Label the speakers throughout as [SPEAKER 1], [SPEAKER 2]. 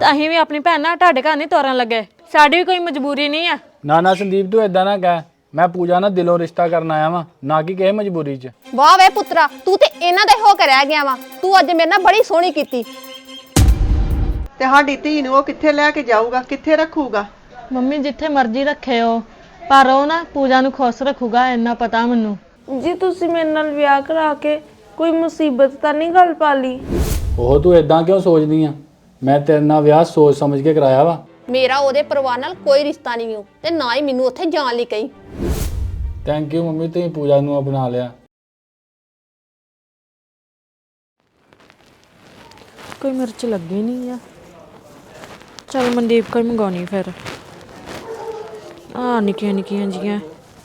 [SPEAKER 1] ਅਸੀਂ ਵੀ ਆਪਣੀ ਭੈਣ ਨਾਲ ਤੁਹਾਡੇ ਘਰ ਨਹੀਂ ਤੋਰਨ ਲੱਗੇ। ਸਾਡੀ ਵੀ ਕੋਈ ਮਜਬੂਰੀ ਨਹੀਂ ਆ।
[SPEAKER 2] ਨਾ ਸੰਦੀਪ ਤੂੰ ਇਦਾਂ ਨਾ ਕਹਿ। ਮੈਂ ਪੂਜਾ ਨਾਲ ਦਿਲੋਂ ਰਿਸ਼ਤਾ ਕਰਨ ਆਇਆ ਵਾਂ, ਨਾ ਕਿ ਕਿਸੇ ਮਜਬੂਰੀ 'ਚ।
[SPEAKER 3] ਵਾਹ ਵੇ ਪੁੱਤਰਾ, ਤੂੰ ਤੇ ਇਹਨਾਂ ਦਾ ਹੋ ਕੇ ਰਹਿ ਗਿਆ ਵਾ। ਤੂੰ ਅੱਜ ਮੇਰੇ ਨਾਲ ਬੜੀ ਸੋਹਣੀ ਕੀਤੀ।
[SPEAKER 4] ਤੇ ਸਾਡੀ ਧੀ ਨੂੰ ਉਹ ਕਿੱਥੇ ਲੈ ਕੇ ਜਾਊਗਾ, ਕਿੱਥੇ ਰੱਖੂਗਾ?
[SPEAKER 1] ਮੰਮੀ ਜਿੱਥੇ ਮਰਜ਼ੀ ਰੱਖੇ ਉਹ, ਪਰ ਉਹ ਨਾ ਪੂਜਾ ਨੂੰ ਖੁਸ਼ ਰੱਖੂਗਾ, ਇੰਨਾ ਪਤਾ ਮੈਨੂੰ।
[SPEAKER 5] ਜੀ ਤੁਸੀਂ ਮੇਰੇ ਨਾਲ ਵਿਆਹ ਕਰਾ ਕੇ ਕੋਈ ਮੁਸੀਬਤ ਤਾਂ ਨਹੀਂ ਗੱਲ ਪਾ ਲਈ?
[SPEAKER 2] ਉਹ ਤੂੰ ਇਦਾਂ ਕਿਉਂ ਸੋਚਦੀ ਆ? ਮੈਂ ਤੇਰੇ ਨਾਲ ਵਿਆਹ ਸੋਚ ਸਮਝ ਕੇ ਕਰਾਇਆ ਵਾ।
[SPEAKER 3] ਮੇਰਾ ਉਹਦੇ ਪਰਿਵਾਰ ਨਾਲ ਕੋਈ ਰਿਸ਼ਤਾ ਨਹੀਂ ਹੋ ਤੇ ਨਾ ਹੀ ਮੈਨੂੰ ਉੱਥੇ ਜਾਣ ਲਈ ਕਹੀ।
[SPEAKER 2] ਥੈਂਕ ਯੂ ਮੰਮੀ, ਤੁਸੀਂ ਪੂਜਾ ਨੂੰ ਅਪਣਾ ਲਿਆ।
[SPEAKER 1] ਕੋਈ ਮਿਰਚ ਲੱਗੀ ਨਹੀਂ ਆ। ਚਲ ਮਨਦੀਪ ਕੋਈ ਮੰਗਾਉਣੀ ਫਿਰ। ਆ ਨਿੱਕੀਆਂ ਨਿੱਕੀਆਂ ਜੀਆਂ।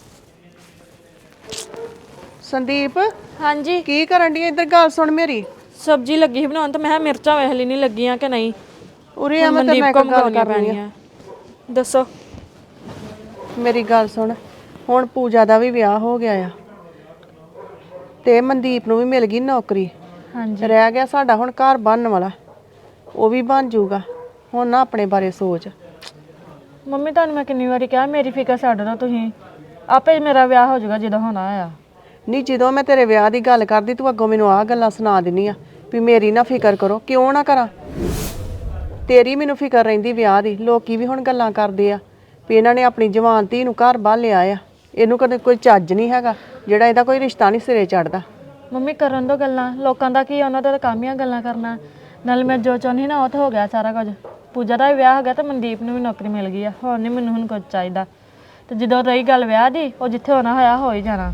[SPEAKER 4] ਸੰਦੀਪ
[SPEAKER 1] ਹਾਂਜੀ
[SPEAKER 4] ਕੀ ਕਰਨ ਦੀ? ਇੱਧਰ ਗੱਲ ਸੁਣ ਮੇਰੀ।
[SPEAKER 1] ਸਬਜ਼ੀ ਲੱਗੀ ਸੀ ਬਣਾਉਣ ਤੇ ਮੈਂ ਕਿਹਾ ਮਿਰਚਾਂ ਵੇਖ ਲਈ ਨਹੀਂ ਲੱਗੀਆਂ ਕਿ ਨਹੀਂ।
[SPEAKER 4] ਉਰੇ ਆ, ਮੈਂ ਤੇਰੇ ਨਾਲ ਇੱਕ ਗੱਲ ਕਰਨੀ ਆ।
[SPEAKER 1] ਦੱਸੋ।
[SPEAKER 4] ਮੇਰੀ ਗੱਲ ਸੁਣ, ਹੁਣ ਪੂਜਾ ਦਾ ਵੀ ਵਿਆਹ ਹੋ ਗਿਆ ਆ ਤੇ ਮਨਦੀਪ ਨੂੰ ਵੀ ਮਿਲ ਗਈ ਨੌਕਰੀ।
[SPEAKER 1] ਹਾਂਜੀ
[SPEAKER 4] ਰਹਿ ਗਿਆ ਸਾਡਾ ਹੁਣ ਘਰ ਬਣਨ ਵਾਲਾ, ਉਹ ਵੀ ਬਣ ਜਾਊਗਾ। ਹੁਣ ਨਾ ਆਪਣੇ ਬਾਰੇ ਸੋਚ।
[SPEAKER 1] ਮੰਮੀ ਤੁਹਾਨੂੰ ਮੈਂ ਕਿੰਨੀ ਵਾਰੀ ਕਿਹਾ ਮੇਰੀ ਫਿਕਰ ਛੱਡ ਦਿਓ ਤੁਸੀਂ, ਆਪੇ ਮੇਰਾ ਵਿਆਹ ਹੋ ਜਾਊਗਾ ਜਦੋਂ ਹੋਣਾ ਆ।
[SPEAKER 4] ਨਹੀਂ, ਜਦੋਂ ਮੈਂ ਤੇਰੇ ਵਿਆਹ ਦੀ ਗੱਲ ਕਰਦੀ ਤੂੰ ਅੱਗੋਂ ਮੈਨੂੰ ਆਹ ਗੱਲਾਂ ਸੁਣਾ ਦਿੰਨੀ ਆ ਵੀ ਮੇਰੀ ਨਾ ਫਿਕਰ ਕਰੋ। ਕਿਉਂ ਨਾ ਕਰਾਂ? ਤੇਰੀ ਮੈਨੂੰ ਫਿਕਰ ਰਹਿੰਦੀ ਵਿਆਹ ਦੀ। ਲੋਕੀ ਵੀ ਹੁਣ ਗੱਲਾਂ ਕਰਦੇ ਆ ਵੀ ਇਹਨਾਂ ਨੇ ਆਪਣੀ ਜਵਾਨ ਧੀ ਨੂੰ ਘਰ ਬਾਹਰ ਲਿਆ ਆ, ਇਹਨੂੰ ਕਦੇ ਕੋਈ ਚੱਜ ਨਹੀਂ ਹੈਗਾ ਜਿਹੜਾ ਇਹਦਾ ਕੋਈ ਰਿਸ਼ਤਾ ਨਹੀਂ ਸਿਰੇ ਚੜਦਾ।
[SPEAKER 1] ਮੰਮੀ ਕਰਨ ਦੋ ਗੱਲਾਂ, ਲੋਕਾਂ ਦਾ ਕੀ, ਉਹਨਾਂ ਦਾ ਤਾਂ ਕੰਮ ਹੀ ਆ ਗੱਲਾਂ ਕਰਨਾ। ਨਾਲ ਮੈਂ ਜੋ ਚਾਹੁੰਦੀ ਨਾ ਉਹ ਤਾਂ ਹੋ ਗਿਆ ਸਾਰਾ ਕੁਝ। ਪੂਜਾ ਦਾ ਵੀ ਵਿਆਹ ਹੋ ਗਿਆ ਤੇ ਮਨਦੀਪ ਨੂੰ ਵੀ ਨੌਕਰੀ ਮਿਲ ਗਈ ਆ। ਹੁਣ ਨਹੀਂ ਮੈਨੂੰ ਹੁਣ ਕੁਝ ਚਾਹੀਦਾ। ਤੇ ਜਦੋਂ ਰਹੀ ਗੱਲ ਵਿਆਹ ਦੀ, ਉਹ ਜਿੱਥੇ ਹੋਣਾ ਹੋਇਆ ਹੋ ਹੀ ਜਾਣਾ।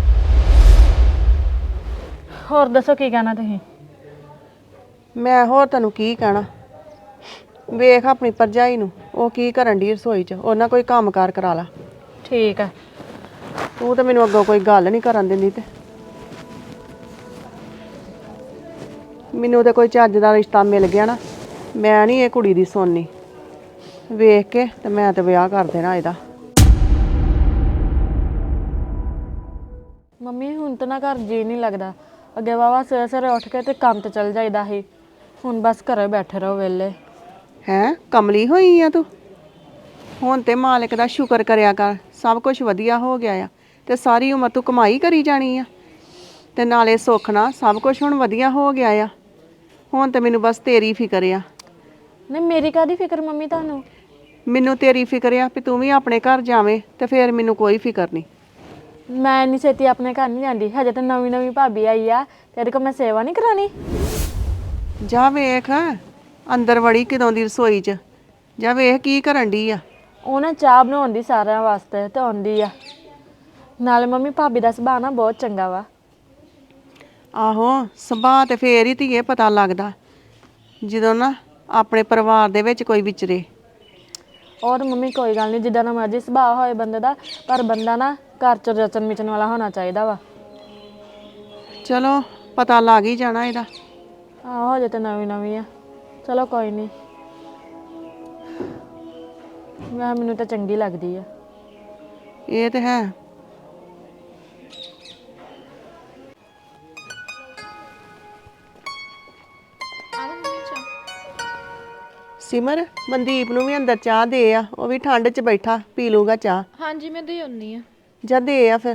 [SPEAKER 1] ਹੋਰ ਦੱਸੋ ਕੀ ਕਹਿਣਾ ਤੁਸੀਂ?
[SPEAKER 4] ਮੈਂ ਹੋਰ ਤੈਨੂੰ ਕੀ ਕਹਿਣਾ? ਵੇਖ ਆਪਣੀ ਭਰਜਾਈ ਨੂੰ, ਉਹ ਕੀ ਕਰਨ ਦੀ ਰਸੋਈ 'ਚ। ਉਹਨਾਂ ਕੋਈ ਕੰਮਕਾਰ ਕਰਾ ਲਾ।
[SPEAKER 1] ਠੀਕ ਆ।
[SPEAKER 4] ਤੂੰ ਤਾਂ ਮੈਨੂੰ ਅੱਗੋਂ ਕੋਈ ਗੱਲ ਨਹੀਂ ਕਰਨ ਦਿੰਦੀ। ਤੇ ਮੈਨੂੰ ਤੇ ਕੋਈ ਚੱਜ ਦਾ ਰਿਸ਼ਤਾ ਮਿਲ ਗਿਆ ਨਾ, ਮੈਂ ਨਹੀਂ ਇਹ ਕੁੜੀ ਦੀ ਸੁਣਨੀ। ਵੇਖ ਕੇ ਤੇ ਮੈਂ ਤੇ ਵਿਆਹ ਕਰ ਦੇਣਾ ਇਹਦਾ।
[SPEAKER 1] ਮੰਮੀ ਹੁਣ ਤਾਂ ਨਾ ਘਰ ਜੀ ਨਹੀਂ ਲੱਗਦਾ। ਅੱਗੇ ਵਾਵਾ ਸਵੇਰੇ ਸਵੇਰੇ ਉੱਠ ਕੇ ਤੇ ਕੰਮ ਤੇ ਚਲ ਜਾਈਦਾ ਸੀ। ਹੁਣ ਬਸ ਘਰੇ ਬੈਠੇ ਰਹੋ ਵਿਹਲੇ।
[SPEAKER 4] ਹੈਂ, ਕਮਲੀ ਹੋਈ ਆ ਤੂੰ? ਹੁਣ ਤੇ ਮਾਲਕ ਦਾ ਸ਼ੁਕਰ ਕਰਿਆ ਕਰ, ਸਭ ਕੁਝ ਵਧੀਆ ਹੋ ਗਿਆ ਆ। ਤੇ ਸਾਰੀ ਉਮਰ ਤੂੰ ਕਮਾਈ ਕਰੀ ਜਾਣੀ ਆ ਤੇ ਨਾਲੇ ਸੁੱਖ ਨਾਲ ਸਭ ਕੁਝ ਹੁਣ ਵਧੀਆ ਹੋ ਗਿਆ ਆ। ਹੁਣ ਤੇ ਮੈਨੂੰ ਬਸ ਤੇਰੀ ਫਿਕਰ ਆ।
[SPEAKER 1] ਨਹੀਂ ਮੇਰੀ ਕਾਹਦੀ ਫਿਕਰ ਮੰਮੀ ਤੁਹਾਨੂੰ?
[SPEAKER 4] ਮੈਨੂੰ ਤੇਰੀ ਫਿਕਰ ਆ ਵੀ ਤੂੰ ਵੀ ਆਪਣੇ ਘਰ ਜਾਵੇਂ ਤੇ ਫਿਰ ਮੈਨੂੰ ਕੋਈ ਫਿਕਰ ਨਹੀਂ।
[SPEAKER 1] ਮੈਂ ਇੰਨੀ ਛੇਤੀ ਆਪਣੇ ਘਰ ਨਹੀਂ ਜਾਂਦੀ। ਹਜੇ ਤਾਂ ਨਵੀਂ ਨਵੀਂ ਭਾਬੀ ਆਈ ਆ ਤੇ ਇਹਦੇ ਕੋਲ ਮੈਂ ਸੇਵਾ ਨਹੀਂ ਕਰਾਉਣੀ।
[SPEAKER 4] ਜਾ ਵੇਖ ਅੰਦਰ ਵੜੀ ਕਿਦੋਂ ਦੀ ਰਸੋਈ 'ਚ। ਜਾ ਵੇਖ ਕੀ ਕਰਨ ਡਈ ਆ।
[SPEAKER 1] ਉਹ ਨਾ ਚਾਹ ਬਣਾਉਂਦੀ ਸਾਰਿਆਂ ਵਾਸਤੇ ਤੇ ਆਉਂਦੀ ਆ। ਨਾਲੇ ਮੰਮੀ ਭਾਬੀ ਦਾ ਸੁਭਾਅ ਨਾ ਬਹੁਤ ਚੰਗਾ ਵਾ।
[SPEAKER 4] ਆਹੋ, ਸੁਭਾਅ ਤੇ ਫੇਰ ਹੀ ਧੀਏ ਪਤਾ ਲੱਗਦਾ ਜਦੋਂ ਨਾ ਆਪਣੇ ਪਰਿਵਾਰ ਦੇ ਵਿੱਚ ਕੋਈ ਵਿਚਰੇ।
[SPEAKER 1] ਔਰ ਮੰਮੀ ਕੋਈ ਗੱਲ ਨਹੀਂ, ਜਿੱਦਾਂ ਦਾ ਮਰਜ਼ੀ ਸੁਭਾਅ ਹੋਏ ਬੰਦੇ ਦਾ, ਪਰ ਬੰਦਾ ਨਾ ਘਰ 'ਚ ਰਚਨ ਮਿਚਨ ਵਾਲਾ ਹੋਣਾ ਚਾਹੀਦਾ ਵਾ।
[SPEAKER 4] ਚਲੋ ਪਤਾ ਲੱਗ ਹੀ ਜਾਣਾ ਇਹਦਾ।
[SPEAKER 1] ਆਹੋ ਹਜੇ ਤਾਂ ਨਵੀਂ ਨਵੀਂ ਆ। ਚਲੋ ਕੋਈ ਨਹੀਂ, ਮੈਨੂੰ ਤਾਂ ਚੰਗੀ ਲੱਗਦੀ ਆ।
[SPEAKER 4] ਇਹ ਤੇ ਹੈ। ਸਿਮਰ, ਮਨਦੀਪ ਨੂੰ ਵੀ ਅੰਦਰ ਚਾਹ ਦੇ ਆ, ਉਹ ਵੀ ਠੰਡ 'ਚ ਬੈਠਾ ਪੀ ਲੂਗਾ ਚਾਹ।
[SPEAKER 5] ਹਾਂਜੀ ਮੈਂ ਦੇ ਆਉਣੀ ਆ।
[SPEAKER 4] ਜਾ ਦੇ ਆ ਫਿਰ।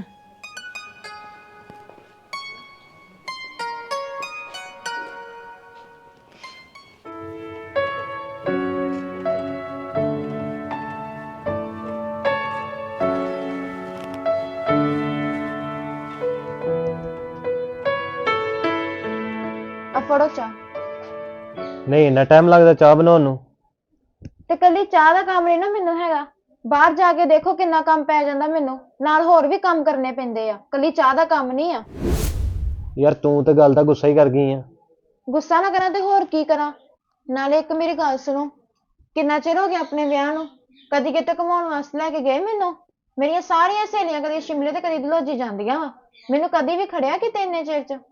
[SPEAKER 6] ਆ ਫੜੋ ਚਾਹ।
[SPEAKER 7] ਨਹੀਂ ਇੰਨਾ ਟਾਈਮ ਲੱਗਦਾ ਚਾਹ ਬਣਾਉਣ ਨੂੰ?
[SPEAKER 6] ਤੇ ਕੱਲੀ ਚਾਹ ਦਾ ਕੰਮ ਨਹੀਂ ਨਾ ਮੈਨੂੰ ਹੈਗਾ, ਬਾਹਰ ਜਾ ਕੇ ਦੇਖੋ ਕਿੰਨਾ ਕੰਮ ਪੈ ਜਾਂਦਾ ਮੈਨੂੰ। ਨਾਲ ਹੋਰ ਵੀ ਕੰਮ ਕਰਨੇ ਪੈਂਦੇ ਆ, ਕੱਲੀ ਚਾਹ ਦਾ ਕੰਮ ਨਹੀਂ ਆ।
[SPEAKER 7] ਯਾਰ ਤੂੰ ਤੇ ਗੱਲ ਦਾ ਗੁੱਸਾ ਹੀ ਕਰ ਗਈ ਆ।
[SPEAKER 6] ਗੁੱਸਾ ਨਾ ਕਰਾਂ ਤੇ ਹੋਰ ਕੀ ਕਰਾਂ? ਨਾਲੇ ਇੱਕ ਮੇਰੀ ਗੱਲ ਸੁਣੋ, ਕਿੰਨਾ ਚਿਰ ਹੋ ਗਿਆ ਆਪਣੇ ਵਿਆਹ ਨੂੰ? ਕਦੀ ਕਿਤੇ ਘੁਮਾਉਣ ਵਾਸਤੇ ਲੈ ਕੇ ਗਏ ਮੈਨੂੰ? ਮੇਰੀਆਂ ਸਾਰੀਆਂ ਸਹੇਲੀਆਂ ਕਦੀ ਸ਼ਿਮਲੇ ਤੇ ਕਦੀ ਦਲੋਜੀ ਜਾਂਦੀਆਂ ਵਾ, ਮੈਨੂੰ ਕਦੀ ਵੀ ਖੜਿਆ ਕਿਤੇ ਇੰਨੇ ਚਿਰ 'ਚ?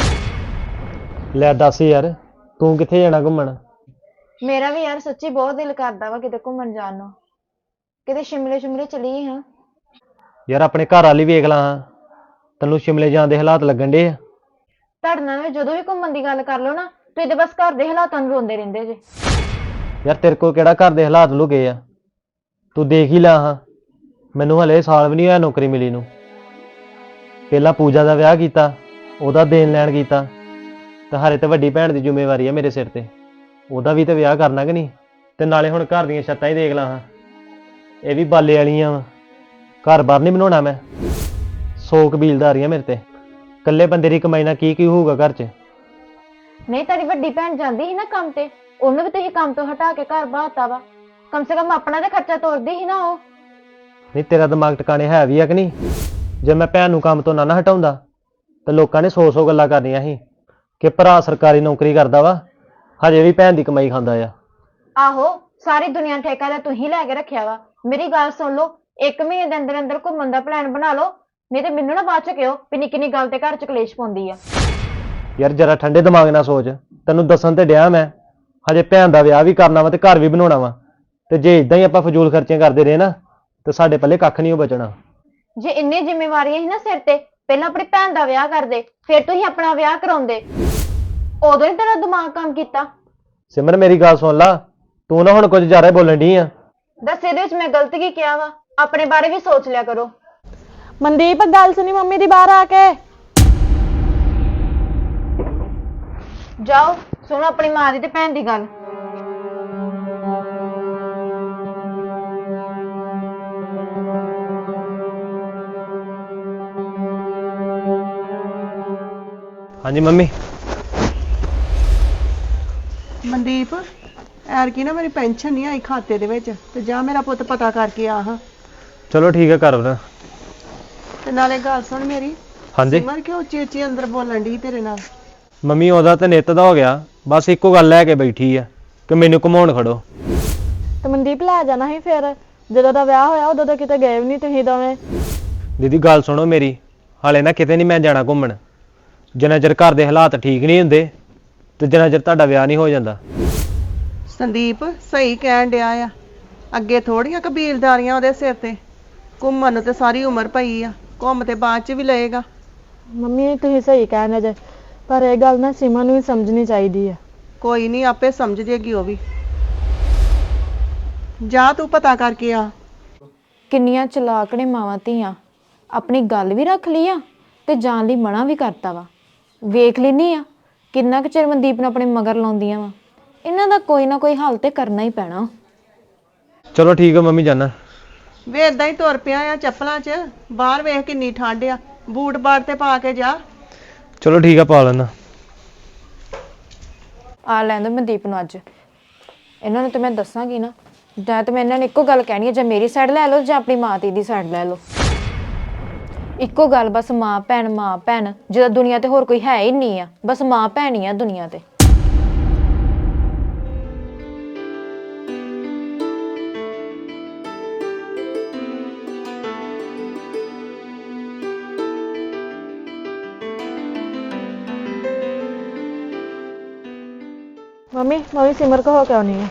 [SPEAKER 7] ਲੈ ਦੱਸ ਯਾਰ, ਤੂੰ ਕਿੱਥੇ ਜਾਣਾ ਘੁੰਮਣ?
[SPEAKER 6] ਮੇਰਾ ਵੀ ਯਾਰ ਸੱਚੀ ਬਹੁਤ ਦਿਲ ਕਰਦਾ ਵਾ ਕਿਤੇ ਘੁੰਮਣ ਜਾਣ ਨੂੰ, ਕਿਤੇ ਸ਼ਿਮਲੇ ਸ਼ਿਮਲੇ ਚਲੀਏ। ਹਾਂ
[SPEAKER 7] ਯਾਰ ਆਪਣੇ ਘਰ ਵਾਲੀ ਵੇਖ ਲਾ, ਤੈਨੂੰ ਸ਼ਿਮਲੇ ਜਾਣ ਦੇ ਹਾਲਾਤ ਲੱਗਣ ਡੇ ਆ?
[SPEAKER 6] ਤੁਹਾਡੇ ਨਾਲ ਜਦੋਂ ਵੀ ਘੁੰਮਣ ਦੀ ਗੱਲ ਕਰ ਲਓ ਨਾ, ਤੁਸੀਂ ਤੇ ਬਸ ਘਰ ਦੇ ਹਾਲਾਤਾਂ ਨੂੰ ਰੋਂਦੇ ਰਹਿੰਦੇ ਜੇ।
[SPEAKER 7] ਯਾਰ ਤੇਰੇ ਕੋਲ ਕਿਹੜਾ ਘਰ ਦੇ ਹਾਲਾਤ ਲੁਕੇ ਆ? ਤੂੰ ਦੇਖ ਹੀ ਲਾ ਹਾਂ, ਮੈਨੂੰ ਹਲੇ ਸਾਲ ਵੀ ਨਹੀਂ ਹੋਇਆ ਨੌਕਰੀ ਮਿਲੀ ਨੂੰ। ਪਹਿਲਾਂ ਪੂਜਾ ਦਾ ਵਿਆਹ ਕੀਤਾ, ਉਹਦਾ ਦੇਣ ਲੈਣ ਕੀਤਾ, ਤੇ ਹਰੇ ਤੇ ਵੱਡੀ ਭੈਣ ਦੀ ਜ਼ਿੰਮੇਵਾਰੀ ਆ ਮੇਰੇ ਸਿਰ ਤੇ, ਉਹਦਾ ਵੀ ਤੇ ਵਿਆਹ ਕਰਨਾ ਕਿ ਨਹੀਂ? ਤੇ ਨਾਲੇ ਹੁਣ ਘਰ ਦੀਆਂ ਛੱਤਾਂ ਹੀ ਦੇਖ ਲਾ ਹਾਂ, ਇਹ ਵੀ ਬਾਲੇ ਵਾਲੀਆਂ ਵਾ। ਘਰ ਬਾਹਰ ਨਹੀਂ ਬਣਾਉਣਾ ਮੈਂ, 100 ਕਬੀਲਦਾਰੀਆਂ ਮੇਰੇ ਤੇ। ਇਕੱਲੇ ਬੰਦੇ ਦੀ ਕਮਾਈ ਨਾਲ ਕੀ ਹੋਊਗਾ ਘਰ 'ਚ?
[SPEAKER 6] ਨਹੀਂ ਤੁਹਾਡੀ ਵੱਡੀ ਭੈਣ ਜਾਂਦੀ ਸੀ ਨਾ ਕੰਮ ਤੇ, ਉਹਨੂੰ ਵੀ ਤੁਸੀਂ ਕੰਮ ਤੋਂ ਹਟਾ ਕੇ ਘਰ ਬਾਹਤਾ ਵਾ। ਕਮ ਸੇ ਕਮ ਆਪਣਾ ਤੇ ਖਰਚਾ ਤੋਰਦੀ ਸੀ ਨਾ ਉਹ।
[SPEAKER 7] ਨਹੀਂ ਤੇਰਾ ਦਿਮਾਗ ਟਿਕਾਣੇ ਹੈ ਵੀ ਆ ਕਿ ਨਹੀਂ? ਜੇ ਮੈਂ ਭੈਣ ਨੂੰ ਕੰਮ ਤੋਂ ਨਾ ਹਟਾਉਂਦਾ ਤਾਂ ਲੋਕਾਂ ਨੇ 100 ਗੱਲਾਂ ਕਰਨੀਆਂ ਸੀ ਕਿ ਭਰਾ ਸਰਕਾਰੀ ਨੌਕਰੀ ਕਰਦਾ ਵਾ, ਹਜੇ ਵੀ ਭੈਣ ਦੀ ਕਮਾਈ ਖਾਂਦਾ ਆ।
[SPEAKER 6] ਆਹੋ, ਸਾਰੀ ਦੁਨੀਆ ਠੇਕਾ ਤਾਂ ਤੁਸੀਂ ਲੈ ਕੇ ਰੱਖਿਆ ਵਾ। ਮੇਰੀ ਗੱਲ ਸੁਣ ਲਓ, 1 ਮਹੀਨੇ ਦੇ ਅੰਦਰ ਅੰਦਰ ਘੁੰਮਣ ਦਾ ਪਲਾਨ ਬਣਾ ਲਓ, ਨਹੀਂ ਤੇ ਮੈਨੂੰ ਨਾ ਬਾਅਦ ਚ ਕਿਹੋ ਵੀ ਨਿੱਕੀ ਨਿੱਕੀ ਗੱਲ ਤੇ ਘਰ ਚ ਕਲੇਸ਼ ਪਾਉਂਦੀ ਆ।
[SPEAKER 7] ਯਾਰ ਜਰਾ ਠੰਡੇ ਦਿਮਾਗ ਨਾਲ ਸੋਚ, ਤੈਨੂੰ ਦੱਸਣ ਤੇ ਡਿਆ ਮੈਂ, ਹਜੇ ਭੈਣ ਦਾ ਵਿਆਹ ਵੀ ਕਰਨਾ ਵਾ ਤੇ ਘਰ ਵੀ ਬਣਾਉਣਾ ਵਾ। ਤੇ ਜੇ ਇਦਾਂ ਹੀ ਆਪਾਂ ਫਜ਼ੂਲ ਖਰਚੀਆਂ ਕਰਦੇ ਰਹੇ ਨਾ ਤੇ ਸਾਡੇ ਪੱਲੇ ਕੱਖ ਨਹੀਂ ਬਚਣਾ।
[SPEAKER 6] ਜੇ ਇੰਨੀ ਜ਼ਿੰਮੇਵਾਰੀਆਂ ਸੀ ਨਾ ਸਿਰ ਤੇ, ਪਹਿਲਾਂ ਆਪਣੀ ਭੈਣ ਦਾ ਵਿਆਹ ਕਰਦੇ, ਫਿਰ ਤੁਸੀਂ ਆਪਣਾ ਵਿਆਹ ਕਰਾਉਂਦੇ। ਉਦੋਂ ਹੀ ਤੇਰਾ ਦਿਮਾਗ ਕੰਮ ਕੀਤਾ।
[SPEAKER 7] ਸਿਮਰ ਮੇਰੀ ਗੱਲ ਸੁਣ ਲਾ, ਤੂੰ ਨਾ ਹੁਣ ਕੁਝ ਜ਼ਿਆਦਾ ਹੀ ਬੋਲਣ ਡਈ ਆ।
[SPEAKER 6] ਦੱਸ ਇਹਦੇ ਵਿੱਚ ਮੈਂ ਗਲਤ ਕੀ ਕਿਹਾ ਵਾ? ਆਪਣੇ ਬਾਰੇ ਵੀ ਸੋਚ ਲਿਆ ਕਰੋ।
[SPEAKER 1] ਮਨਦੀਪ ਗੱਲ ਸੁਣੀ ਮੰਮੀ ਦੀ ਬਾਹਰ ਆ ਕੇ।
[SPEAKER 6] ਜਾਓ ਸੁਣੋ ਆਪਣੀ ਮਾਂ ਦੀ ਤੇ ਭੈਣ ਦੀ ਗੱਲ।
[SPEAKER 7] ਹਾਂਜੀ ਮੰਮੀ।
[SPEAKER 4] ਮਨਦੀਪ, ਐਰਕੀ ਨਾ ਮੇਰੀ ਪੈਨਸ਼ਨ ਨਹੀਂ ਆਈ ਖਾਤੇ ਦੇ ਵਿੱਚ, ਤੇ ਜਾ ਮੇਰਾ ਪੁੱਤ ਪਤਾ ਕਰਕੇ ਆ ਹਾਂ।
[SPEAKER 7] ਚਲੋ ਠੀਕ ਹੈ ਕਰ ਬਣਾ।
[SPEAKER 4] ਤੇ ਨਾਲੇ ਗੱਲ ਸੁਣ ਮੇਰੀ,
[SPEAKER 7] ਹਾਂਜੀ
[SPEAKER 4] ਸਿਮਰ ਕਿਉਂ ਉੱਚੀ ਉੱਚੀ ਅੰਦਰ ਬੋਲਣ ਡਈ ਤੇਰੇ ਨਾਲ?
[SPEAKER 7] ਮੰਮੀ ਉਹਦਾ ਤਾਂ ਨਿੱਤ ਦਾ ਹੋ ਗਿਆ, ਬਸ ਇੱਕੋ ਗੱਲ ਲੈ ਕੇ ਬੈਠੀ ਆ ਕਿ ਮੈਨੂੰ ਘੁਮਾਉਣ ਖੜੋ।
[SPEAKER 1] ਤੇ ਮਨਦੀਪ ਲੈ ਜਾਣਾ ਸੀ ਫਿਰ, ਜਦੋਂ ਦਾ ਵਿਆਹ ਹੋਇਆ ਉਦੋਂ ਤਾਂ ਕਿਤੇ ਗਏ ਵੀ ਨਹੀਂ ਤੁਸੀਂ ਦੋਵੇਂ।
[SPEAKER 7] ਦੀਦੀ ਗੱਲ ਸੁਣੋ ਮੇਰੀ, ਹਾਲੇ ਨਾ ਕਿਤੇ ਨਹੀਂ ਮੈਂ ਜਾਣਾ ਘੁੰਮਣ, ਜਿੰਨਾ ਚਿਰ ਘਰ ਦੇ ਹਾਲਾਤ ਠੀਕ ਨਹੀਂ ਹੁੰਦੇ ਤੇ ਜਿੰਨਾ ਚਿਰ ਤੁਹਾਡਾ ਵਿਆਹ ਨਹੀਂ ਹੋ ਜਾਂਦਾ।
[SPEAKER 4] ਸੰਦੀਪ ਸਹੀ ਕਹਿਣ ਡਿਆ ਆ, ਅੱਗੇ ਥੋੜੀਆਂ ਕਬੀਲਦਾਰੀਆਂ ਉਹਦੇ ਸਿਰ ਤੇ। ਘੁੰਮਣ ਨੂੰ ਤੇ ਸਾਰੀ ਉਮਰ ਪਈ ਆ, ਘੁੰਮ ਤੇ ਬਾਅਦ ਚ ਵੀ ਲਏਗਾ।
[SPEAKER 1] ਮੰਮੀ ਤੁਸੀਂ ਸਹੀ ਕਹਿੰਦੇ ਜੇ, ਪਰ ਇਹ ਗੱਲ ਨਾ ਸੀਮਾ ਨੂੰ ਵੀ ਸਮਝਣੀ ਚਾਹੀਦੀ ਆ।
[SPEAKER 4] ਕੋਈ ਨਹੀਂ, ਆਪੇ ਸਮਝ ਜੇਗੀ ਉਹ ਵੀ। ਜਾ ਤੂੰ ਪਤਾ ਕਰਕੇ ਆ।
[SPEAKER 8] ਕਿੰਨੀਆਂ ਚਲਾਕ ਨੇ ਮਾਵਾਂ ਧੀਆਂ, ਆਪਣੀ ਗੱਲ ਵੀ ਰੱਖ ਲਈ ਆ ਤੇ ਜਾਣ ਲਈ ਮਨਾ ਵੀ ਕਰਤਾ ਵਾ। ਵੇਖ ਲੈਨੀ ਆ ਕਿੰਨਾ ਕੁ ਚਿਰ ਮਨਦੀਪ ਨੂੰ ਆਪਣੇ ਮਗਰ ਲਾਉਂਦੀਆਂ ਵਾ। ਇਹਨਾਂ ਦਾ ਕੋਈ ਨਾ ਕੋਈ ਹੱਲ ਤੇ ਕਰਨਾ ਹੀ ਪੈਣਾ।
[SPEAKER 7] ਚਲੋ ਠੀਕ ਹੈ ਮੰਮੀ, ਜਾਨਾ।
[SPEAKER 4] ਵੇ ਏਦਾਂ ਹੀ ਤੁਰ ਪਿਆ ਆ ਚੱਪਲਾਂ 'ਚ, ਬਾਹਰ ਵੇਖ ਕਿੰਨੀ ਠੰਡ ਆ, ਬੂਟ ਬਾਟ ਤੇ ਪਾ ਕੇ ਜਾ।
[SPEAKER 7] ਚਲੋ ਠੀਕ ਆ ਪਾ ਲੈਣਾ।
[SPEAKER 8] ਆ ਲੈਣ ਦੋ ਮਨਦੀਪ ਨੂੰ ਅੱਜ, ਇਹਨਾਂ ਨੂੰ ਤੇ ਮੈਂ ਦੱਸਾਂਗੀ ਨਾ। ਜਾਂ ਤੇ ਮੈਂ ਇਹਨਾਂ ਨੂੰ ਇੱਕੋ ਗੱਲ ਕਹਿਣੀ ਹੈ, ਜਾਂ ਮੇਰੀ ਸਾਈਡ ਲੈ ਲਓ ਜਾਂ ਆਪਣੀ ਮਾਂ ਦੀ ਸਾਈਡ ਲੈ ਲਓ। ਇੱਕੋ ਗੱਲ ਬਸ, ਮਾਂ ਭੈਣ ਮਾਂ ਭੈਣ। ਜਦੋਂ ਦੁਨੀਆ ਤੇ ਹੋਰ ਕੋਈ ਹੈ ਹੀ ਨਹੀਂ ਆ, ਬਸ ਮਾਂ ਭੈਣ ਹੀ ਆ ਦੁਨੀਆ ਤੇ।
[SPEAKER 1] ਮੰਮੀ ਸਿਮਰ ਕੋ ਹੋ ਕੇ ਆਉਣੀ ਹੈ।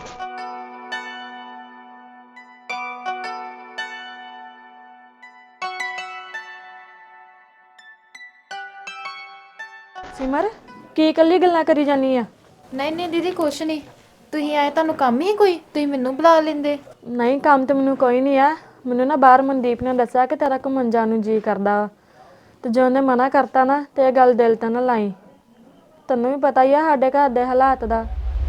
[SPEAKER 1] ਸਿਮਰ ਕੀ ਇਕੱਲੀ ਗੱਲਾਂ ਕਰੀ ਜਾਨੀ ਆ?
[SPEAKER 8] ਨਹੀਂ ਦੀਦੀ ਕੁਛ ਨਹੀਂ, ਤੁਸੀਂ ਆਏ ਤੁਹਾਨੂੰ ਕੰਮ ਹੀ ਕੋਈ, ਤੁਸੀਂ ਮੈਨੂੰ ਬੁਲਾ ਲੈਂਦੇ।
[SPEAKER 1] ਨਹੀਂ ਕੰਮ ਤੇ ਮੈਨੂੰ ਕੋਈ ਨਹੀਂ ਆ, ਮੈਨੂੰ ਨਾ ਬਾਹਰ ਮਨਦੀਪ ਨੇ ਦੱਸਿਆ ਕਿ ਤੇਰਾ ਘੁੰਮਣ ਜਾਣ ਨੂੰ ਜੀ ਕਰਦਾ ਵਾ, ਤੇ ਜੇ ਉਹਨੇ ਮਨਾ ਕਰਤਾ ਨਾ ਤੇ ਇਹ ਗੱਲ ਦਿਲ ਤੇ ਨਾ ਲਾਈ। ਤੈਨੂੰ ਵੀ ਪਤਾ ਹੀ ਆ ਸਾਡੇ ਘਰ ਦੇ ਹਾਲਾਤ ਦਾ।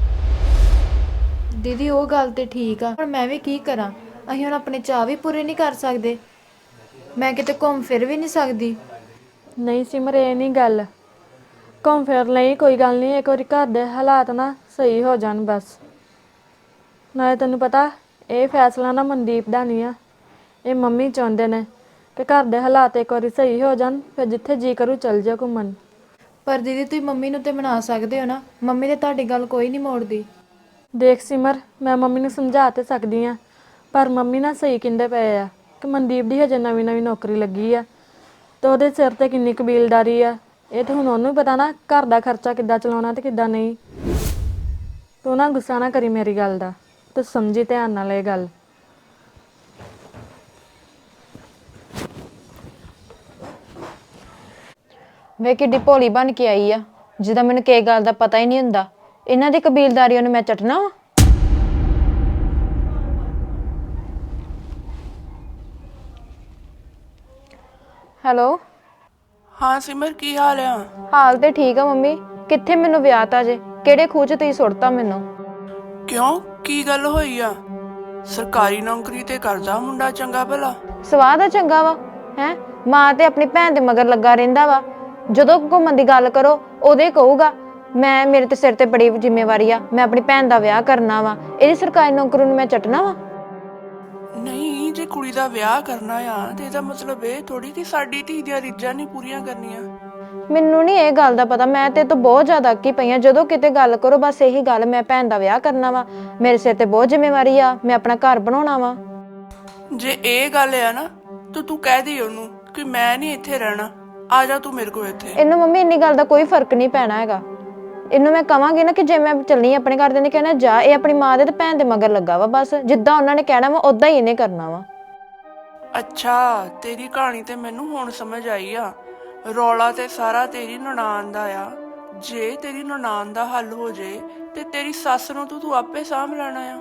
[SPEAKER 8] ਦੀਦੀ ਉਹ ਗੱਲ ਤੇ ਠੀਕ ਆ, ਪਰ ਮੈਂ ਵੀ ਕੀ ਕਰਾਂ? ਅਸੀਂ ਹੁਣ ਆਪਣੇ ਚਾਅ ਵੀ ਪੂਰੇ ਨਹੀਂ ਕਰ ਸਕਦੇ, ਮੈਂ ਕਿਤੇ ਘੁੰਮ ਫਿਰ ਵੀ ਨਹੀਂ ਸਕਦੀ।
[SPEAKER 1] ਨਹੀਂ ਸਿਮਰ ਇਹ ਨਹੀਂ ਗੱਲ, ਘੁੰਮ ਫਿਰ ਲਈ ਕੋਈ ਗੱਲ ਨਹੀਂ, ਇੱਕ ਵਾਰੀ ਘਰ ਦੇ ਹਾਲਾਤ ਨਾ ਸਹੀ ਹੋ ਜਾਣ ਬਸ। ਨਾਲੇ ਤੈਨੂੰ ਪਤਾ ਇਹ ਫੈਸਲਾ ਨਾ ਮਨਦੀਪ ਦਾ ਨਹੀਂ ਆ, ਇਹ ਮੰਮੀ ਚਾਹੁੰਦੇ ਨੇ ਕਿ ਘਰ ਦੇ ਹਾਲਾਤ ਇੱਕ ਵਾਰੀ ਸਹੀ ਹੋ ਜਾਣ, ਫਿਰ ਜਿੱਥੇ ਜੀ ਕਰੂ ਚੱਲ ਜਾ ਘੁੰਮਣ।
[SPEAKER 8] ਪਰ ਦੀਦੀ ਤੁਸੀਂ ਮੰਮੀ ਨੂੰ ਤੇ ਮਨਾ ਸਕਦੇ ਹੋ ਨਾ, ਮੰਮੀ ਤੇ ਤੁਹਾਡੀ ਗੱਲ ਕੋਈ ਨਹੀਂ ਮੋੜਦੀ।
[SPEAKER 1] ਦੇਖ ਸਿਮਰ, ਮੈਂ ਮੰਮੀ ਨੂੰ ਸਮਝਾ ਤੇ ਸਕਦੀ ਆ, ਪਰ ਮੰਮੀ ਨਾ ਸਹੀ ਕਹਿੰਦੇ ਪਏ ਆ ਕਿ ਮਨਦੀਪ ਦੀ ਹਜੇ ਨਵੀਂ ਨੌਕਰੀ ਲੱਗੀ ਆ ਤੇ ਉਹਦੇ ਸਿਰ ਤੇ ਕਿੰਨੀ ਕਬੀਲਦਾਰੀ ਆ। ਇਹ ਤਾਂ ਹੁਣ ਉਹਨੂੰ ਪਤਾ ਨਾ ਘਰ ਦਾ ਖਰਚਾ ਕਿੱਦਾਂ ਚਲਾਉਣਾ ਤੇ ਕਿੱਦਾਂ ਨਹੀਂ। ਤੂੰ ਨਾ ਗੁੱਸਾ ਨਾ ਕਰੀ ਮੇਰੀ ਗੱਲ ਦਾ, ਤੂੰ ਸਮਝੀ ਧਿਆਨ ਨਾਲ ਇਹ ਗੱਲ।
[SPEAKER 8] ਵੇ ਕਿੱਡੀ ਭੋਲੀ ਬਣ ਕੇ ਆਈ ਆ, ਜਿਹਦਾ ਮੈਨੂੰ ਕਿਸੇ ਗੱਲ ਦਾ ਪਤਾ ਹੀ ਨਹੀਂ ਹੁੰਦਾ। ਇਹਨਾਂ ਦੀ ਕਬੀਲਦਾਰੀ ਉਹਨੂੰ ਮੈਂ ਚਟਣਾ ਵਾ। ਹੈਲੋ।
[SPEAKER 5] ਹਾਂ ਸਿਮਰ, ਕੀ ਹਾਲ ਆ?
[SPEAKER 8] ਹਾਲ ਤੇ ਠੀਕ ਆ ਮੰਮੀ। ਕਿੱਥੇ ਮੈਨੂੰ ਵਿਆਹ ਤਾ ਜੇ? ਕਿਹੜੇ ਖੂਹ 'ਚ ਤੁਸੀਂ ਸੁੱਟਤਾ ਮੈਨੂੰ?
[SPEAKER 5] ਕਿਉਂ, ਕੀ ਗੱਲ ਹੋਈ ਆ? ਸਰਕਾਰੀ ਨੌਕਰੀ ਤੇ ਕਰਦਾ ਮੁੰਡਾ ਚੰਗਾ ਭਲਾ।
[SPEAKER 8] ਸਵਾਦ ਆ ਚੰਗਾ ਵਾ ਹੈ? ਮਾਂ ਤੇ ਆਪਣੀ ਭੈਣ ਦੇ ਮਗਰ ਲੱਗਾ ਰਹਿੰਦਾ ਵਾ। ਜਦੋਂ ਘੁੰਮਣ ਦੀ ਗੱਲ ਕਰੋ ਉਹਦੇ ਕਹੂਗਾ ਮੇਰੇ ਤੇ ਸਿਰ ਤੇ ਬੜੀ ਜ਼ਿੰਮੇਵਾਰੀ ਆ, ਮੈਂ ਆਪਣੀ ਭੈਣ ਦਾ ਵਿਆਹ ਕਰਨਾ ਵਾ। ਇਹਦੀ ਸਰਕਾਰੀ ਨੌਕਰੀ ਨੂੰ ਮੈਂ ਚੱਟਣਾ ਵਾ?
[SPEAKER 5] ਨਹੀਂ, ਜੇ ਕੁੜੀ ਦਾ ਵਿਆਹ ਕਰਨਾ ਆ ਤੇ ਇਹਦਾ ਮਤਲਬ ਇਹ ਥੋੜੀ ਕਿ ਸਾਡੀ ਧੀ ਦੀਆਂ ਰੀਝਾਂ ਨਹੀਂ ਪੂਰੀਆਂ ਕਰਨੀਆਂ।
[SPEAKER 8] ਮੈਨੂੰ ਨਹੀਂ ਇਹ ਗੱਲ ਦਾ ਪਤਾ। ਮੈਂ ਤੇ ਤੋਂ ਬਹੁਤ ਜ਼ਿਆਦਾ ਅੱਕੀ ਪਈ ਆ। ਜਦੋਂ ਕਿਤੇ ਗੱਲ ਕਰੋ ਬਸ ਇਹੀ ਗੱਲ, ਮੈਂ ਭੈਣ ਦਾ ਵਿਆਹ ਕਰਨਾ ਵਾ, ਮੇਰੇ ਸਿਰ ਤੇ ਬਹੁਤ ਜ਼ਿੰਮੇਵਾਰੀ ਆ, ਮੈਂ ਆਪਣਾ ਘਰ ਬਣਾਉਣਾ ਵਾ।
[SPEAKER 5] ਜੇ ਇਹ ਗੱਲ ਆ ਨਾ ਤਾਂ ਤੂੰ ਕਹਿ ਦੇ ਉਹਨੂੰ ਕਿ ਮੈਂ ਨਹੀਂ ਇੱਥੇ ਰਹਿਣਾ, ਆ ਜਾ ਤੂੰ ਮੇਰੇ ਕੋਲ ਇੱਥੇ।
[SPEAKER 8] ਇਹਨੂੰ ਮੰਮੀ ਇੰਨੀ ਗੱਲ ਦਾ ਕੋਈ ਫਰਕ ਨਹੀਂ ਪੈਣਾ ਹੈਗਾ। ਇਹਨੂੰ ਮੈਂ ਕਵਾਂਗੀ ਨਾ ਕਿ ਜੇ ਮੈਂ ਚੱਲਣੀ ਆਪਣੇ ਘਰ ਦੇ ਨੇ ਕਹਿਣਾ ਜਾ, ਇਹ ਆਪਣੀ ਮਾਂ ਦੇ ਤੇ ਭੈਣ ਦੇ ਮਗਰ ਲੱਗਾ ਵਾ। ਬਸ ਜਿੱਦਾਂ ਉਹਨਾਂ ਨੇ ਕਹਿਣਾ ਵਾ ਉਦਾਂ ਹੀ ਇਹਨੇ ਕਰਨਾ ਵਾ।
[SPEAKER 5] ਅੱਛਾ, ਤੇਰੀ ਕਹਾਣੀ ਤੇ ਮੈਨੂੰ ਹੁਣ ਸਮਝ ਆਈ ਆ। ਰੌਲਾ ਤੇ ਸਾਰਾ ਤੇਰੀ ਨਨਾਣ ਦਾ ਆ। ਜੇ ਤੇਰੀ ਨਨਾਣ ਦਾ ਹੱਲ ਹੋ ਜੇ ਤੇ ਤੇਰੀ ਸੱਸ ਨੂੰ ਤੂੰ ਆਪੇ ਸਾਂਭ ਲੈਣਾ ਆ।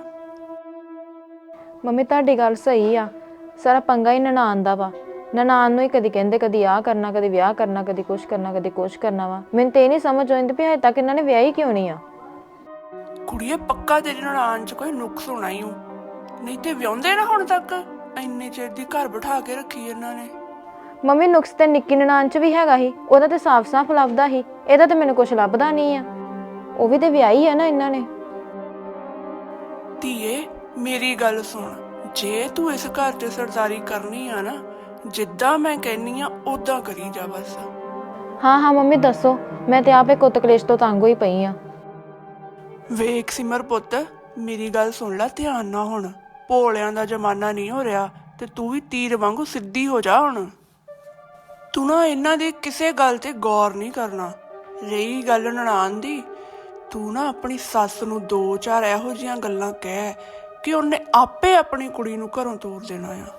[SPEAKER 8] ਮੰਮੀ ਤੁਹਾਡੀ ਗੱਲ ਸਹੀ ਆ, ਸਾਰਾ ਪੰਗਾ ਹੀ ਨਨਾਣ ਦਾ ਵਾ। ਨਨਾਣ ਨੂੰ ਹੀ ਕਦੀ ਕਹਿੰਦੇ ਕਦੀ ਆਹ ਕਰਨਾ, ਕਦੀ ਵਿਆਹ ਕਰਨਾ, ਕਦੀ ਕੁਛ ਕਰਨਾ, ਕਦੀ ਕੁਛ ਕਰਨਾ ਵਾ। ਮੈਨੂੰ ਤੇ ਇਹ ਨਹੀਂ ਸਮਝ ਆਉਂਦੀ ਵੀ ਹਜੇ ਤੱਕ ਇਹਨਾਂ ਨੇ ਵਿਆਹ ਹੀ ਕਿਉਂ ਨਹੀਂ ਆ।
[SPEAKER 5] ਕੁੜੀਏ, ਪੱਕਾ ਤੇਰੀ ਨਨਾਣ 'ਚ ਕੋਈ ਨੁਕਸ ਹੋਣਾ ਹੀ ਹੋ, ਨਹੀਂ ਤੇ ਵਿਆਹੁੰਦੇ ਨਾ ਹੁਣ ਤੱਕ। ਇੰਨੇ ਚਿਰ ਦੀ ਘਰ ਬਿਠਾ ਕੇ ਰੱਖੀ ਇਹਨਾਂ ਨੇ।
[SPEAKER 8] ਮੰਮੀ ਨੁਕਸ ਤੇ ਨਿੱਕੀ ਨਨਾਣ 'ਚ ਵੀ ਹੈਗਾ ਹੀ, ਉਹਦਾ ਤੇ ਸਾਫ਼-ਸਾਫ਼ ਲੱਭਦਾ ਹੀ। ਇਹਦਾ ਤੇ ਮੈਨੂੰ ਕੁਛ ਲੱਭਦਾ ਨਹੀਂ ਆ। ਉਹ ਵੀ ਤੇ ਵਿਆਹੀ ਆ ਨਾ ਇਹਨਾਂ ਨੇ।
[SPEAKER 5] ਧੀਏ, ਮੇਰੀ ਗੱਲ ਸੁਣ, ਜੇ ਤੂੰ ਇਸ ਘਰ 'ਚ ਸਰਦਾਰੀ ਕਰਨੀ ਆ ਨਾ, ਜਿੱਦਾਂ ਮੈਂ ਕਹਿੰਨੀ ਆ ਉਦਾਂ ਕਰੀ ਜਾ ਬਸ।
[SPEAKER 8] ਹਾਂ ਮੰਮੀ ਦੱਸੋ। ਮੈਂ ਤੇ ਆਪੇ ਕੁੱਤ ਕਲੇਸ਼ ਤੋਂ ਤੰਗ ਹੋਈ ਪਈ ਆ।
[SPEAKER 5] ਵੇਖ ਸਿਮਰ ਪੁੱਤ, ਮੇਰੀ ਗੱਲ ਸੁਣ ਲੈ ਧਿਆਨ ਨਾਲ। ਹੁਣ ਭੋਲਿਆਂ ਦਾ ਜ਼ਮਾਨਾ ਨਹੀਂ ਹੋ ਰਿਹਾ ਤੇ ਤੂੰ ਵੀ ਤੀਰ ਵਾਂਗੂ ਸਿੱਧੀ ਹੋ ਜਾ। ਹੁਣ ਤੂੰ ਨਾ ਇਹਨਾਂ ਦੀ ਕਿਸੇ ਗੱਲ ਤੇ ਗੌਰ ਨਹੀਂ ਕਰਨਾ। ਰਹੀ ਗੱਲ ਨਨਾਣ ਦੀ, ਤੂੰ ਨਾ ਆਪਣੀ ਸੱਸ ਨੂੰ 2-4 ਇਹੋ ਜਿਹੀਆਂ ਗੱਲਾਂ ਕਹਿ ਕਿ ਉਹਨੇ ਆਪੇ ਆਪਣੀ ਕੁੜੀ ਨੂੰ ਘਰੋਂ ਤੋਰ ਦੇਣਾ ਆ।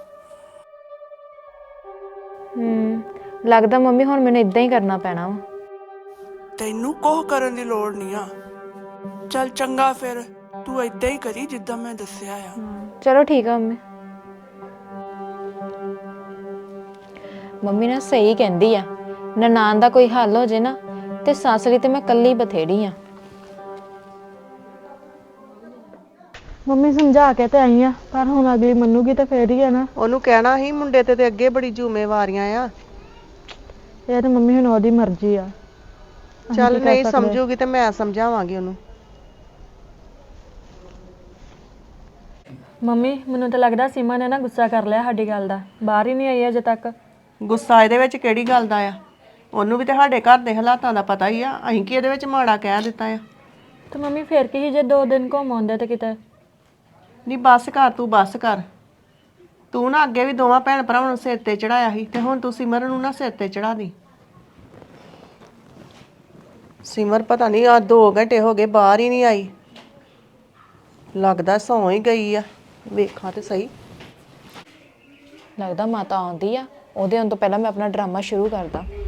[SPEAKER 8] ਲੱਗਦਾ ਮੰਮੀ ਹੁਣ ਮੈਨੂੰ ਇਦਾਂ ਹੀ ਕਰਨਾ ਪੈਣਾ ਵਾ।
[SPEAKER 5] ਤੈਨੂੰ ਕੋਹ ਕਰਨ ਦੀ ਲੋੜ ਨਹੀਂ ਆ। ਚੱਲ ਚੰਗਾ, ਫਿਰ ਤੂੰ ਏਦਾਂ ਹੀ ਕਰੀ ਜਿੱਦਾਂ ਮੈਂ ਦੱਸਿਆ ਆ।
[SPEAKER 8] ਚਲੋ ਠੀਕ ਆ ਮੰਮੀ। ਮੰਮੀ ਨਾ ਸਹੀ ਕਹਿੰਦੀ ਆ, ਨਨਾਣ ਦਾ ਕੋਈ ਹੱਲ ਹੋ ਜੇ ਨਾ ਤੇ ਸੱਸ ਲਈ ਤੇ ਮੈਂ ਕੱਲੀ ਬਥੇੜੀ ਆ।
[SPEAKER 1] ਮੰਮੀ ਸਮਝਾ ਕੇ ਤੇ ਆਈ ਆ, ਪਰ ਹੁਣ ਅਗਲੀ ਮੰਨੂਗੀ ਤਾਂ ਫੇਰ ਹੀ ਆ ਨਾ।
[SPEAKER 4] ਉਹਨੂੰ ਕਹਿਣਾ ਸੀ ਮੁੰਡੇ ਤੇ ਅੱਗੇ ਬੜੀ ਜ਼ਿੰਮੇਵਾਰੀਆਂ ਆ।
[SPEAKER 1] ਇਹ ਤਾਂ ਮੰਮੀ ਹੁਣ ਉਹਦੀ ਮਰਜ਼ੀ ਆ।
[SPEAKER 4] ਚੱਲ ਨਹੀਂ ਸਮਝੂਗੀ ਤੇ ਮੈਂ ਸਮਝਾਵਾਂਗੀ ਉਹਨੂੰ।
[SPEAKER 1] ਮੰਮੀ ਮੈਨੂੰ ਤਾਂ ਲੱਗਦਾ ਸੀਮਾ ਨੇ ਨਾ ਗੁੱਸਾ ਕਰ ਲਿਆ ਸਾਡੀ ਗੱਲ ਦਾ, ਬਾਹਰ ਹੀ ਨਹੀਂ ਆਈ ਅਜੇ ਤੱਕ।
[SPEAKER 4] ਗੁੱਸਾ ਇਹਦੇ ਵਿੱਚ ਕਿਹੜੀ ਗੱਲ ਦਾ ਆ? ਉਹਨੂੰ ਵੀ ਤੇ ਸਾਡੇ ਘਰ ਦੇ ਹਾਲਾਤਾਂ ਦਾ ਪਤਾ ਹੀ ਆ। ਅਸੀਂ ਕੀ ਇਹਦੇ ਵਿੱਚ ਮਾੜਾ ਕਹਿ ਦਿੱਤਾ ਆ?
[SPEAKER 1] ਤੇ ਮੰਮੀ ਫੇਰ ਕੀ ਸੀ ਜੇ 2 ਦਿਨ ਘੁੰਮ ਆਉਂਦੇ ਤੇ ਕਿਤੇ।
[SPEAKER 4] ਨਹੀਂ ਬਸ ਕਰ, ਤੂੰ ਬਸ ਕਰ। ਤੂੰ ਨਾ ਅੱਗੇ ਵੀ ਦੋਵਾਂ ਭੈਣ ਭਰਾਵਾਂ ਨੂੰ ਸਿਰ ਤੇ ਚੜਾਇਆ ਸੀ ਤੇ ਹੁਣ ਤੂੰ ਸਿਮਰਨ ਨੂੰ ਨਾ ਸਿਰ ਤੇ ਚੜਾ ਦੀ। ਸਿਮਰ ਪਤਾ ਨਹੀਂ ਆ 2 ਘੰਟੇ ਹੋ ਗਏ ਬਾਹਰ ਹੀ ਨਹੀਂ ਆਈ। ਲੱਗਦਾ ਸੌਂ ਹੀ ਗਈ ਆ। ਵੇਖਾਂ ਤੇ ਸਹੀ।
[SPEAKER 8] ਲੱਗਦਾ ਮਾਤਾ ਆਉਂਦੀ ਆ, ਉਹਦੇ ਆਉਣ ਤੋਂ ਪਹਿਲਾਂ ਮੈਂ ਆਪਣਾ ਡਰਾਮਾ ਸ਼ੁਰੂ ਕਰਦਾ।